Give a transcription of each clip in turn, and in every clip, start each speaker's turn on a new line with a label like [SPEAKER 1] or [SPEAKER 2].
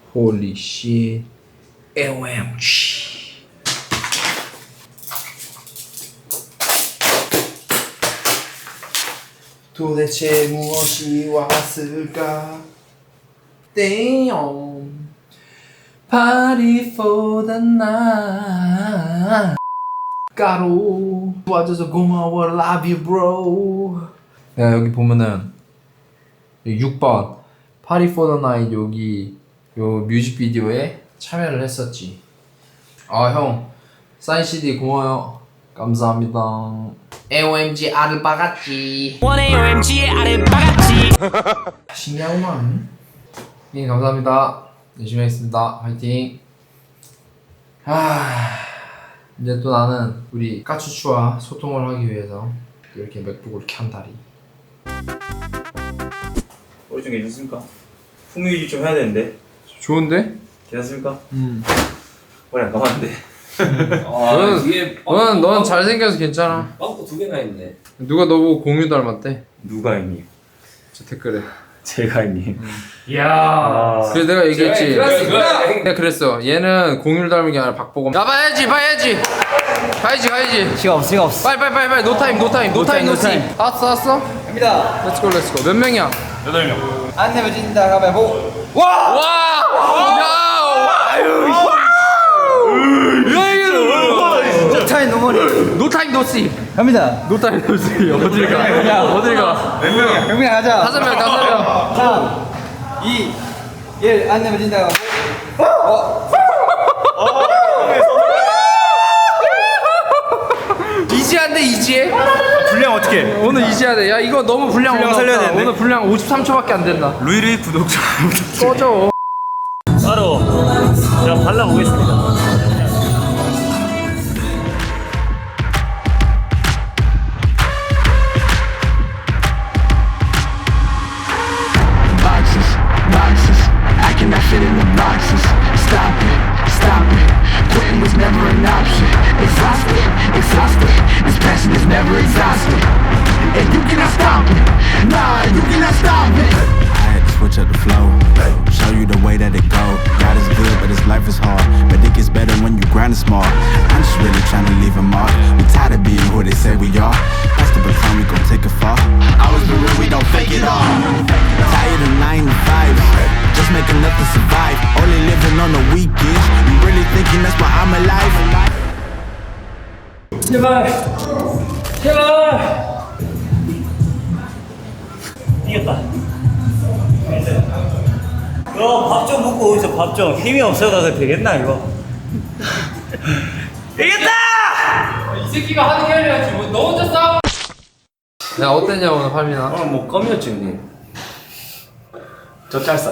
[SPEAKER 1] Holy shit. OMG. 도대체 무엇이 왔을까? Damn. Party for the night. 가로 도와줘서 고마워. Love you bro. 야, 여기 보면은 6번 Party for the night 여기 요 뮤직비디오에 참여를 했었지. 아, 형 사인 CD 고마워요. 감사합니다. OMG 아르바같지. 원해 OMG 아르바같지. 신기하구만. 예, 감사합니다. 열심히 하겠습니다. 화이팅. 이제 또 나는 우리 까추추와 소통을 하기 위해서 이렇게 맥북을 켠다리.
[SPEAKER 2] 머리 좀 괜찮습니까? 풍미 유지 좀 해야 되는데.
[SPEAKER 1] 좋은데?
[SPEAKER 2] 괜찮습니까? 머리 안 감았는데.
[SPEAKER 1] 넌 잘생겨서 괜찮아.
[SPEAKER 3] 빵꾸 2개나 있네.
[SPEAKER 1] 누가 너보고 공유 닮았대?
[SPEAKER 2] 누가 형님?
[SPEAKER 1] 저 댓글에.
[SPEAKER 2] 제가 형님.
[SPEAKER 3] 이야.
[SPEAKER 1] 그래 내가 얘기했지.
[SPEAKER 3] 그렇습니다.
[SPEAKER 1] 내가 그랬어. 얘는 공유를 닮은 게 아니라 박보검. 야 봐야지. 가야지.
[SPEAKER 3] 시간 없어.
[SPEAKER 1] 빨리. 노타임. 왔어.
[SPEAKER 3] 갑니다.
[SPEAKER 1] 렛츠고. 몇 명이야?
[SPEAKER 2] 8명.
[SPEAKER 3] 안 내면 진다. 가위바위보. 노타임 노머니.
[SPEAKER 1] 노타임 노시.
[SPEAKER 3] 갑니다.
[SPEAKER 1] 노타임 노시. 어딜 가?
[SPEAKER 2] 몇 명이야?
[SPEAKER 3] 경민아 가자.
[SPEAKER 1] 5명.
[SPEAKER 3] 3, 2, 1. 안 내면 진다.
[SPEAKER 1] 이지한데 이지해?
[SPEAKER 2] 분량 어떻게?
[SPEAKER 1] 오늘 이지해야 돼. 야 이거 너무 분량
[SPEAKER 2] 살려야
[SPEAKER 1] 없다.
[SPEAKER 2] 되는데?
[SPEAKER 1] 오늘 분량 53초밖에 안 된다.
[SPEAKER 2] 루이루이 구독자.
[SPEAKER 1] 꺼져.
[SPEAKER 2] 바로 제가 발라보겠습니다.
[SPEAKER 4] Boxes, I cannot fit in the boxes. Stop it, quitting was never an option. Exhausted, this passion is never exhausted. And you cannot stop it, nah, you cannot stop it.
[SPEAKER 5] I had to switch up the flow, show you the way that it go. God is good, but his life is hard. But it gets better when you grind it smart. I'm just really trying to leave a mark. We tired of being who they say we are. Pass the baton, we gon' take it far.
[SPEAKER 4] Always been real, we don't fake it all.
[SPEAKER 5] Tired of 9 to 5, just make enough to survive. Only living on the weekends. You really thinking that's why I'm alive?
[SPEAKER 2] 제발. 이겼다. 밥 좀 먹고 오이소. 밥 좀. 힘이 없어가 되겠나 이거? 이겼다!
[SPEAKER 1] 이 새끼가 하는 게 아니라 지금 너 혼자 싸워. 야 어땠냐 오늘 팔미나?
[SPEAKER 2] 오늘 뭐 껌이었지 형님. 저 짤싸.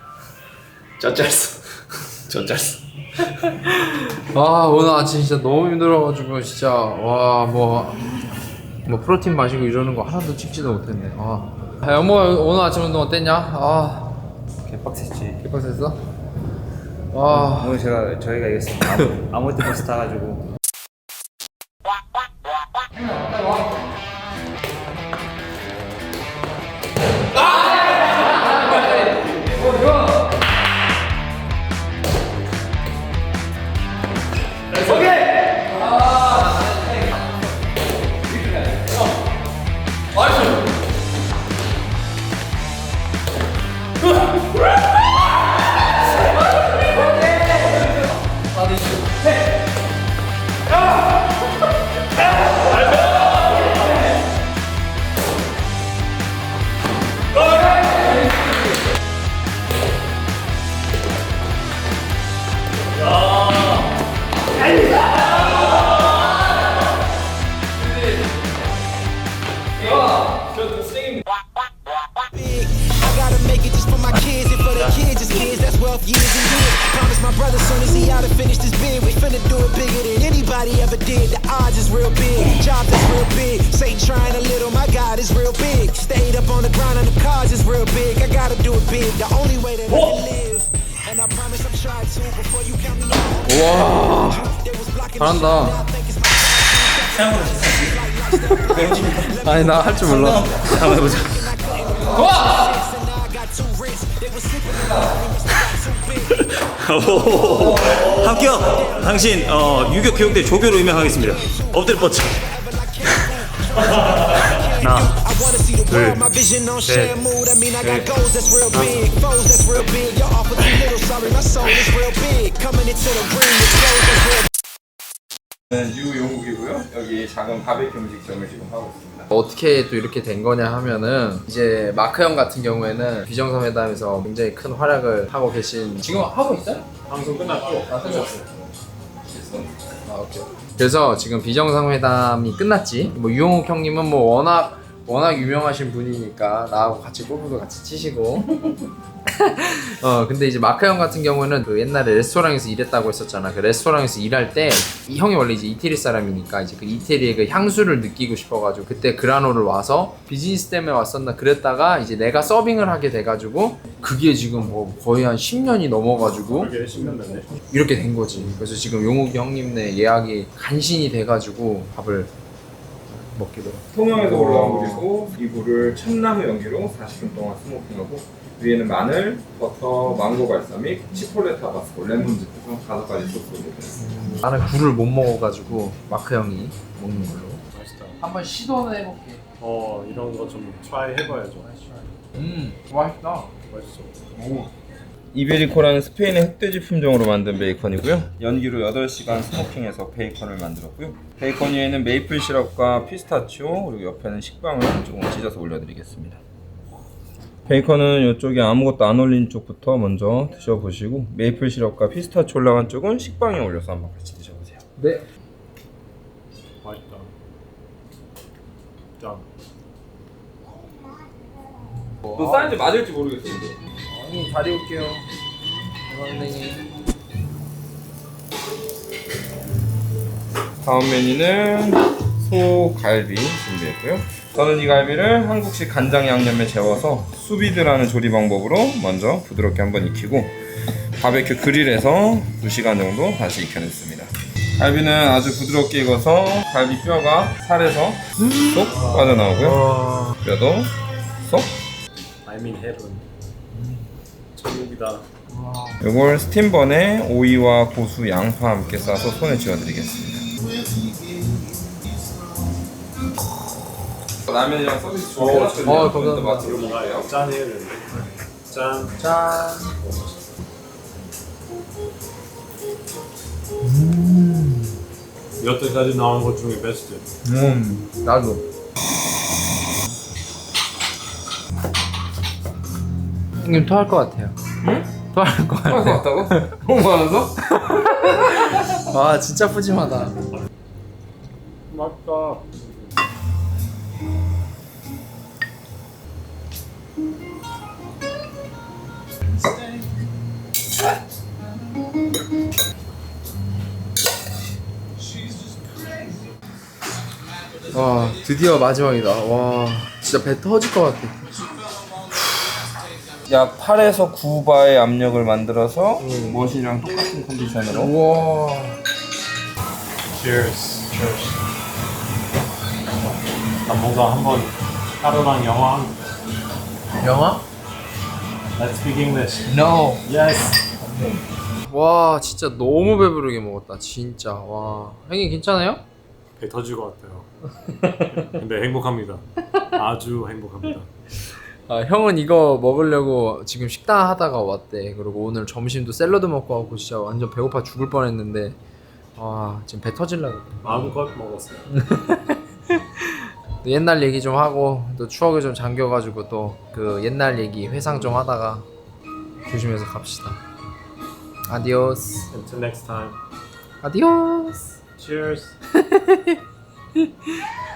[SPEAKER 1] 아 오늘 아침 진짜 너무 힘들어가지고 진짜 뭐 프로틴 마시고 이러는 거 하나도 찍지도 못했네. 야, 여모 오늘 아침 운동 어땠냐?
[SPEAKER 2] 개빡셌지.
[SPEAKER 1] 개빡셌어?
[SPEAKER 2] 오늘 저희가 이겼습니다. 아무것도 버스 타가지고.
[SPEAKER 6] brother soon as he out and finish this bid. We finna do it bigger than anybody ever did. The odds is real big, job is real big. Satan trying a little, my God is real big. Stayed up on the grind on the cards is real big. I gotta do it big, the only way that I can live. And I promise I'm trying to before you count me out.
[SPEAKER 1] 와 잘한다. 아니 나 할 줄 몰라.
[SPEAKER 2] 한번 해보자.
[SPEAKER 1] 와!
[SPEAKER 2] 오, 합격! 당신 유격 교육대 조교로 임명하겠습니다. 엎드려 뻗쳐. 하나,
[SPEAKER 6] I wanna see the
[SPEAKER 2] 둘,
[SPEAKER 6] world, my vision on share mood. I mean, I got goals that's real big, foes that's real big. You're off with too little, sorry, my soul is real big. Coming into the ring, it's goals that's real
[SPEAKER 3] 유용국이고요. 여기 작은 바베큐 음식점을 지금 하고 있습니다.
[SPEAKER 1] 어떻게 또 이렇게 된 거냐 하면은 이제 마크 형 같은 경우에는 비정상회담에서 굉장히 큰 활약을 하고 계신 지금 하고 있어요?
[SPEAKER 7] 방송 끝났죠?
[SPEAKER 1] 아 끝났어요. 아 오케이. 그래서 지금 비정상회담이 끝났지. 뭐 유용욱 형님은 뭐 워낙 유명하신 분이니까 나하고 같이 골프도 같이 치시고. 근데 이제 마크 형 같은 경우는 그 옛날에 레스토랑에서 일했다고 했었잖아. 그 레스토랑에서 일할 때 이 형이 원래 이제 이태리 사람이니까 이제 그 이태리의 그 향수를 느끼고 싶어가지고 그때 그라노를 와서 비즈니스 때문에 왔었나 그랬다가 이제 내가 서빙을 하게 돼가지고 그게 지금 뭐 거의 한 10년이 넘어가지고
[SPEAKER 7] 그게 10년 됐네.
[SPEAKER 1] 이렇게 된 거지. 그래서 지금 용욱이 형님네 예약이 간신히 돼가지고 밥을 먹기로.
[SPEAKER 3] 통영에서 올라온 물이고 이 물을 참나무 연기로 40분 동안 스모킹하고 위에는 마늘, 버터, 망고 발사믹, 치폴레 타바스코, 레몬즙에서 5가지 소스 올려드렸습니다.
[SPEAKER 1] 나는 굴을 못 먹어가지고 마크 형이 먹는 걸로.
[SPEAKER 7] 맛있다.
[SPEAKER 1] 한번 시도는 해볼게.
[SPEAKER 7] 이런 거 좀 트라이 해봐야죠.
[SPEAKER 1] 맛있다.
[SPEAKER 7] 맛있어.
[SPEAKER 1] 오.
[SPEAKER 3] 이베리코라는 스페인의 흑돼지 품종으로 만든 베이컨이고요. 연기로 8시간 스모킹해서 베이컨을 만들었고요. 베이컨 위에는 메이플 시럽과 피스타치오 그리고 옆에는 식빵을 조금 찢어서 올려드리겠습니다. 베이컨은 이쪽에 아무것도 안 올린 쪽부터 먼저 드셔보시고 메이플 시럽과 피스타치오 올라간 쪽은 식빵에 올려서 한번 같이 드셔보세요.
[SPEAKER 1] 네.
[SPEAKER 7] 맛있다. 짱.
[SPEAKER 3] 또 사이즈 맞을지 모르겠어요.
[SPEAKER 1] 형님 잘 입을게요. 선생님.
[SPEAKER 3] 다음 메뉴는 소갈비 준비했고요. 저는 이 갈비를 한국식 간장 양념에 재워서 수비드라는 조리 방법으로 먼저 부드럽게 한번 익히고 바베큐 그릴에서 2시간 정도 다시 익혀냈습니다. 갈비는 아주 부드럽게 익어서 갈비 뼈가 살에서 쏙 빠져나오고요. 뼈도 쏙.
[SPEAKER 7] I'm in heaven. 천국이다.
[SPEAKER 3] 이걸 스팀번에 오이와 고수, 양파 함께 싸서 손에 쥐어드리겠습니다. 라면이랑 서비스 준비해놨거든요.
[SPEAKER 1] 감사합니다.
[SPEAKER 3] 맛으로 먹어요.
[SPEAKER 7] 짠 해야 되는데. 짠.
[SPEAKER 1] 짠.
[SPEAKER 7] 여태까지 나온 것 중에 베스트.
[SPEAKER 1] 나도. 형님 토할 것 같아요. 응? 토할 것 같아요.
[SPEAKER 3] 같다고? 너무 많아서?
[SPEAKER 1] 와 진짜 푸짐하다.
[SPEAKER 7] 맛있다.
[SPEAKER 1] 와 드디어 마지막이다. 와 진짜 배 터질 것 같아.
[SPEAKER 3] 약 8에서 9바의 압력을 만들어서 머신이랑 똑같은 컨디션으로.
[SPEAKER 1] 우와.
[SPEAKER 7] Cheers. 나 뭔가 한번 하루랑 영화.
[SPEAKER 1] 영화?
[SPEAKER 7] Let's speak English.
[SPEAKER 1] No.
[SPEAKER 7] Yes.
[SPEAKER 1] 와 진짜 너무 배부르게 먹었다 진짜. 와 형님 괜찮아요?
[SPEAKER 7] 배 터질 것 같아요. 근데 행복합니다. 아주 행복합니다.
[SPEAKER 1] 아, 형은 이거 먹으려고 지금 식당 하다가 왔대. 그리고 오늘 점심도 샐러드 먹고 하고 진짜 완전 배고파 죽을 뻔했는데 와 지금 배 터질라고.
[SPEAKER 7] 마음껏 먹었어요.
[SPEAKER 1] 또 옛날 얘기 좀 하고 또 추억에 좀 잠겨가지고 또 그 옛날 얘기 회상 좀 하다가 조심해서 갑시다. 아디오스.
[SPEAKER 7] Until next time.
[SPEAKER 1] 아디오스.
[SPEAKER 7] Cheers.